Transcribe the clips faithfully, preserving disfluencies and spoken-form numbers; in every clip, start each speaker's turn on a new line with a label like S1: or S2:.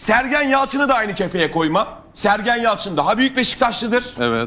S1: Sergen Yalçın'ı da aynı kefeye koymam. Sergen Yalçın daha büyük Beşiktaşlıdır.
S2: Evet.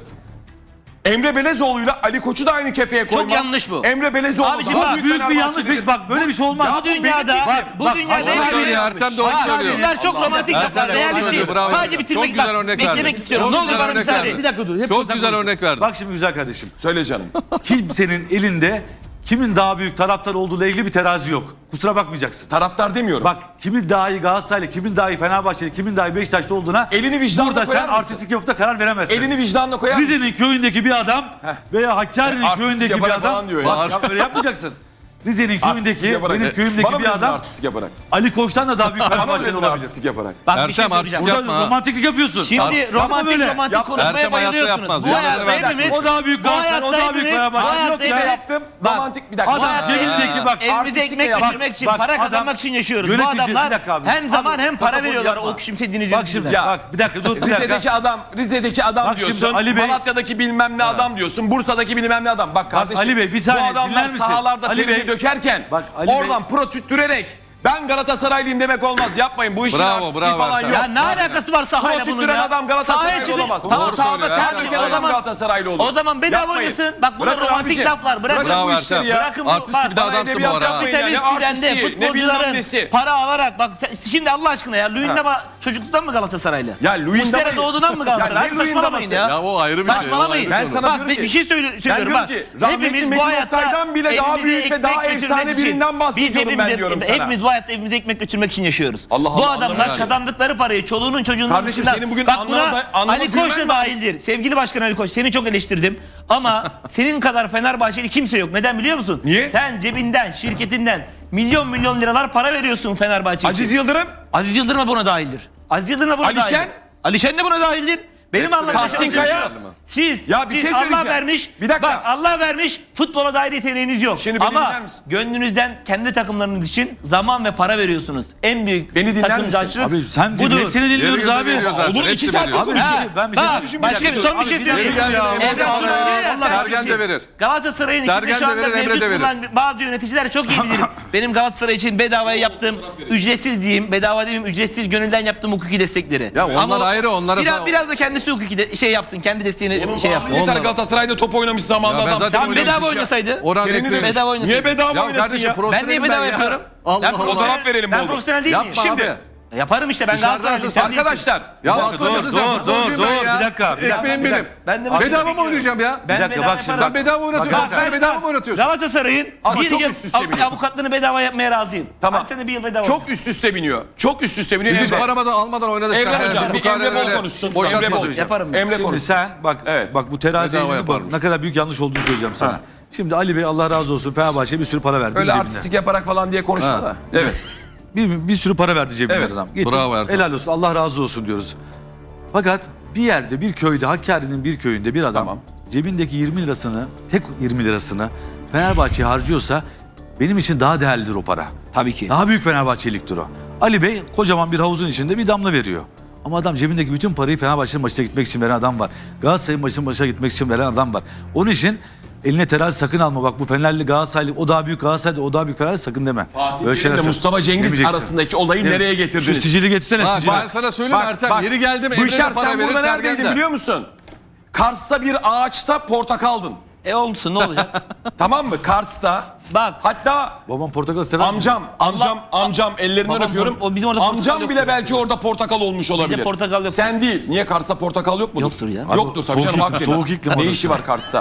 S1: Emre Belezoğlu'yla Ali Koç'u da aynı kefeye koymam.
S3: yanlış bu.
S1: Emre Belezoğlu
S3: Abiciğim
S1: daha
S3: bak,
S1: büyük,
S4: Büyük bir yanlış.
S1: Fenerbahçelidir.
S4: Bak böyle bir şey olmaz.
S3: Bu dünyada,
S4: Bak,
S3: bu
S4: bak,
S3: dünyada
S4: Hasan
S3: en
S4: abi
S3: büyük-
S2: söylüyor, Ertem doğru
S3: Bak,
S2: söylüyor.
S3: Bunlar çok romantik
S2: Ertem
S3: laflar.
S2: doğru
S3: Realist
S2: söylüyor,
S3: değil.
S2: bravo.
S3: Sadece bitirmek,
S2: Çok güzel
S3: bak,
S2: örnek
S3: beklemek
S2: verdi.
S3: istiyorum.
S2: Çok
S3: Ne olur
S2: güzel
S3: bana
S2: örnek
S3: müsaade.
S2: verdi.
S4: Bir dakika dur. hep
S2: Çok
S4: sen
S2: güzel
S4: konuştun.
S2: örnek verdi.
S4: Bak şimdi güzel kardeşim.
S1: Söyle canım.
S4: Kimsenin elinde kimin daha büyük taraftar olduğuyla ilgili bir terazi yok. Kusura bakmayacaksın.
S1: Taraftar demiyorum.
S4: Bak kimin daha iyi Galatasaraylı, kimin daha iyi Fenerbahçeli, kimin daha iyi Beşiktaşlı olduğuna
S1: Elini vicdanına
S4: burada
S1: koyar
S4: sen
S1: mısın?
S4: artistik yapıp da karar veremezsin.
S1: Elini vicdanına koyar mısın?
S4: Rize'nin köyündeki bir adam veya Hakkari'nin
S1: Artistik
S4: köyündeki bir
S1: yaparak
S4: adam.
S1: falan diyor ya.
S4: Bak ya öyle yapmayacaksın. Rize'nin
S1: Artistik
S4: köyündeki,
S1: yaparak.
S4: benim köyümdeki
S1: Bana
S4: bir
S1: mı dedin
S4: adam
S1: artistik yaparak?
S4: Ali Koç'tan da daha büyük
S1: Bana mı
S4: Fenerbahçeli
S1: dedin
S4: olabilir.
S1: artistik yaparak?
S3: Bak bir şey
S2: Ertem,
S3: söyleyeceğim.
S2: artistik
S4: Burada
S2: yapma.
S4: romantiklik yapıyorsun.
S3: Şimdi
S4: Yapma
S3: romantik
S4: böyle.
S3: romantik
S1: Yap-
S3: konuşmaya
S2: Ertem hayatta
S3: bayılıyorsunuz.
S2: yapmaz.
S3: Bu
S2: Ya,
S3: hayatta
S2: ben-
S3: hepimiz...
S4: O daha büyük
S3: bu
S4: Galatasaray, o
S3: hayatta
S4: daha büyük
S3: hepimiz-
S4: Fenerbahçe.
S3: bu hayatta
S4: Yok ya.
S3: hepimiz-
S1: Yaptım.
S3: Bak,
S1: Romantik bir dakika.
S4: Adam
S3: hayatta
S4: cebindeki bak.
S3: Evimize
S1: artistik
S3: ekmek
S1: yap-
S3: götürmek için,
S4: bak,
S3: para
S4: adam-
S3: kazanmak için yaşıyoruz. Bu
S4: Yönetici-
S3: adamlar
S4: bir dakika abi.
S3: hem zaman
S4: Abi,
S3: hem para
S4: protokol
S3: veriyorlar
S4: yapma.
S3: o küçümsediğiniz
S4: Bak şimdi
S3: yöneticiler.
S4: bak bir dakika dur bir dakika.
S1: Rize'deki adam, Rize'deki adam
S4: Bak şimdi
S1: diyorsun.
S4: Ali Bey-
S1: Malatya'daki bilmem ne adam diyorsun. Bursa'daki bilmem ne adam. Bak kardeşim.
S4: Ali Bey, bir saniye,
S1: bu adamlar
S4: dinler misin?
S1: sahalarda
S4: Ali
S1: terini
S4: Bey-
S1: dökerken
S4: Bak, Ali
S1: oradan pro tüttürerek ben Galatasaraylıyım demek olmaz. Yapmayın. Bu işin
S2: Bravo,
S1: artistiği
S2: bravo
S1: falan
S2: Ertem.
S1: yok.
S3: Ya ne alakası var
S1: Pro
S3: sahayla bunun
S1: tüttüren
S3: ya?
S1: adam
S3: Sahaya
S1: Galatasaraylı
S3: çıkın.
S1: olamaz.
S3: Tamam,
S2: Doğru
S1: Sahada
S2: söylüyor,
S1: ter
S2: Ertem.
S1: döken
S3: O
S1: adam
S3: zaman-
S1: Galatasaraylı olur.
S3: O zaman bedava
S1: Yapmayın.
S3: oynasın. Bak bunlar
S1: Bırakın
S3: romantik
S1: abicim.
S3: laflar. Bırakın
S1: Bırakın
S3: bu
S1: bu
S2: Bravo
S1: işleri
S2: Ertem.
S1: ya.
S3: Bırakın bu
S2: Artist
S3: bak,
S2: gibi de
S1: bana
S2: adamsın bu
S1: edebiyat
S2: ara. ha.
S1: yapmayın.
S3: kapitalist
S1: Ne
S3: düzende
S1: artisti, ne bilmem
S3: futbolcuların
S1: nesi.
S3: para alarak bak sen- şimdi Allah aşkına ya Luyendama çocukluktan mı Galatasaraylı?
S1: Ya Luyendama-
S3: Muslera doğduğundan mı Galatasaray?
S1: Ya ne
S3: Abi saçmalamayın
S1: Luyendama'sı?
S3: ya.
S2: Ya o ayrı bir şey. o
S3: Saçmalamayın.
S2: ayrı bir
S1: Ben
S2: konu.
S1: sana
S3: Bak
S1: diyorum
S3: bir
S1: ki-
S3: bir şey söyle-
S1: Ben
S3: söylüyorum
S1: diyorum
S3: bak.
S1: ki rahmetli
S3: Hepimiz bu
S1: Metin
S3: hayatta
S1: Oktay'dan bile daha
S3: evimize
S1: büyük ve daha
S3: ekmek
S1: efsane
S3: götürmek için-
S1: birinden bahsediyorum
S3: biz
S1: ben
S3: hepimiz-
S1: diyorum sana.
S3: Hepimiz bu hayatta evimize ekmek götürmek için yaşıyoruz.
S1: Allah
S3: Bu
S1: Allah,
S3: adamlar
S1: Allah.
S3: kazandıkları parayı çoluğunun çocuğunun
S1: Kardeşim,
S3: dışında-
S1: senin bugün
S3: bak
S1: anlama
S3: buna
S1: da- anlama
S3: Ali Koç
S1: güven
S3: da
S1: mi?
S3: dahildir. Sevgili Başkan Ali Koç seni çok eleştirdim ama senin kadar Fenerbahçeli kimse yok. Neden biliyor musun?
S1: Niye?
S3: Sen cebinden, şirketinden milyon milyon liralar para veriyorsun Fenerbahçe için.
S1: Aziz Yıldırım.
S3: Aziz Yıldırım da buna dahildir. Aziz Yıldırım da buna
S1: Ali
S3: dahildir.
S1: Şen?
S3: Ali Şen de buna dahildir. Benim anladığım
S1: Tahsin
S3: şey
S1: Kaya?
S3: şu. Siz,
S1: Ya bir
S3: siz
S1: şey
S3: Allah
S1: söyleyeceğim.
S3: vermiş.
S1: Bir dakika.
S3: Bak Allah vermiş. Futbola dair yeteneğiniz yok.
S1: Şimdi beni
S3: Ama
S1: dinler misin?
S3: gönlünüzden kendi takımlarınız için zaman ve para veriyorsunuz. En büyük
S1: Beni dinler misin?
S3: takımcılık
S4: Abi sen
S3: budur.
S4: hepsini dinliyoruz
S2: Yeri
S4: abi.
S2: veriyor zaten,
S1: Olur,
S2: hepsi
S1: iki saat
S2: veriyor.
S4: Abi bir
S3: Ha,
S4: şey, ben bir şey
S3: bak,
S4: söyleyeyim.
S3: başka bir son bir şey
S4: Abi,
S3: söyleyeyim.
S4: bir dakika ya.
S3: Evren
S4: Allah
S3: Turan
S4: Allah.
S3: diyor ya,
S4: Allah
S3: sen
S2: Sergen
S3: kimsin?
S2: de verir.
S3: Galatasaray'ın içinde
S2: Sergen
S3: şu
S2: de
S3: anda
S2: verir, Emre
S3: mevcut
S2: de verir.
S3: bulunan bazı yöneticiler çok iyi bilir. Benim Galatasaray için bedavaya yaptığım ücretsiz diyeyim, bedava diyeyim ücretsiz gönülden yaptığım hukuki destekleri.
S2: Ya onlar
S3: Ama o-
S2: ayrı, onlara
S3: biraz,
S2: sana-
S3: biraz da kendisi hukuki de, şey yapsın, kendi desteğini şey yapsın.
S1: Bir tane
S2: Onlar-
S1: Galatasaray'da top oynamış zamanında
S2: Ya ben
S1: adam.
S2: zaten
S3: Tam
S2: oynamış
S3: bedava
S2: ya.
S3: oynasaydı.
S2: Orhan
S1: Terini
S2: eklemiş.
S1: demiş.
S3: Bedava oynasın.
S1: Niye bedava
S2: Ya
S1: oynasın
S2: kardeşim
S1: ya?
S2: profesyonelim
S3: Ben niye bedava
S2: ya.
S3: yapıyorum?
S2: Allah
S3: Ben
S2: Allah.
S3: profesyonel-
S1: Fotoğraf verelim
S3: Ben
S1: bol bol.
S3: profesyonel değil miyim?
S2: Yapma
S1: Şimdi-
S2: abi.
S3: Yaparım işte ben
S2: Dışarıdan
S3: Galatasaraylıyım.
S2: sen-
S3: sen değilsin.
S1: Arkadaşlar.
S2: Ya
S4: Dur,
S2: hastacısın
S4: dur,
S2: sen
S4: dur,
S2: futbolcuyum
S4: dur,
S2: ben ya.
S4: bir dakika, bir dakika,
S2: Ekmeğim
S4: bir
S2: benim.
S3: Ben de
S4: Abi,
S2: Bedava mı
S3: bekliyorum.
S2: oynayacağım ya?
S3: Ben
S4: Bir dakika,
S3: bedava
S4: bak şimdi,
S3: yaparım.
S2: Sen bedava oynatıyorsun.
S4: Bak,
S2: Sen
S3: ben-
S2: bedava mı oynatıyorsun?
S3: Galatasaray'ın
S1: Ama
S3: bir
S1: çok
S3: yıl
S1: üst üste
S3: av-
S1: biniyor.
S3: avukatlarını bedava yapmaya razıyım.
S1: Tamam.
S3: Hadi sene bir yıl bedava.
S1: Çok üst üste biniyor. Çok üst üste biniyor.
S2: Biz hiç
S1: Emre.
S2: aramadan almadan oynadık.
S1: Emre
S2: sen.
S1: hocam,
S2: Biz bu
S1: bir
S2: kadar
S1: Emre Bol
S2: öyle
S1: konuşsun.
S2: boşaltma
S1: Emre Bol.
S2: söyleyeceğim.
S3: Yaparım ben.
S1: Emre
S4: Şimdi
S1: konuşsun.
S4: sen bak
S1: Evet.
S4: bak bu teraziye
S2: Bedava
S4: inip
S2: yaparım.
S4: bak, ne kadar büyük yanlış olduğunu söyleyeceğim sana.
S1: Ha.
S4: Şimdi Ali Bey Allah razı olsun Fenerbahçe'ye bir sürü para verdi
S1: Öyle
S4: cebine.
S1: artistik yaparak falan diye konuşma
S2: Ha.
S1: da. Evet.
S4: Bir, bir sürü para verdi cebine
S1: Evet.
S4: adam. Gitti.
S2: Bravo Ertem.
S4: Helal olsun Allah razı olsun diyoruz. Fakat bir yerde bir köyde Hakkari'nin bir köyünde bir adam
S1: Tamam.
S4: cebindeki yirmi lirasını tek yirmi lirasını Fenerbahçe'ye harcıyorsa benim için daha değerlidir o para.
S3: Tabii ki.
S4: Daha büyük Fenerbahçeliktir o. Ali Bey kocaman bir havuzun içinde bir damla veriyor. Ama adam cebindeki bütün parayı Fenerbahçe'nin maçına gitmek için veren adam var. Galatasaray'ın maçının başına gitmek için veren adam var. Onun için eline terazi sakın alma. Bak bu Fenerli Galatasaraylı o daha büyük Galatasaraylı o daha büyük Fenerli sakın deme.
S1: Fatih
S4: Böyle şeyler
S1: Terim'le
S4: söyle-
S1: Mustafa Cengiz
S4: demeyeceksin.
S1: arasındaki olayı
S4: Evet.
S1: nereye
S4: Şu
S1: getirdiniz?
S4: sicili getirsene
S2: Bak,
S4: sicili.
S2: ben sana söyleyeyim Ertem. Yeri geldim Emre de
S1: Bışar
S2: para
S1: sen
S2: verir.
S1: burada
S2: Sergen
S1: neredeydin
S2: de.
S1: biliyor musun? Kars'ta bir ağaçta portakaldın.
S3: E olsun ne olacak?
S1: Tamam mı? Kars'ta.
S3: Bak.
S1: Hatta
S4: Babam portakal sever mi?
S1: amcam, amcam, amcam ellerinden
S3: Babam
S1: öpüyorum.
S3: por- o bizim orada portakal
S1: Amcam
S3: yoktur.
S1: bile belki orada portakal olmuş olabilir.
S3: portakal yok.
S1: Sen değil. Niye Kars'ta portakal yok mudur?
S3: Yoktur ya.
S1: Yoktur tabii
S4: Soğuk
S1: canım.
S4: iklim,
S1: Akdeniz.
S4: soğuk iklim
S1: Ne
S4: orası.
S1: işi var Kars'ta?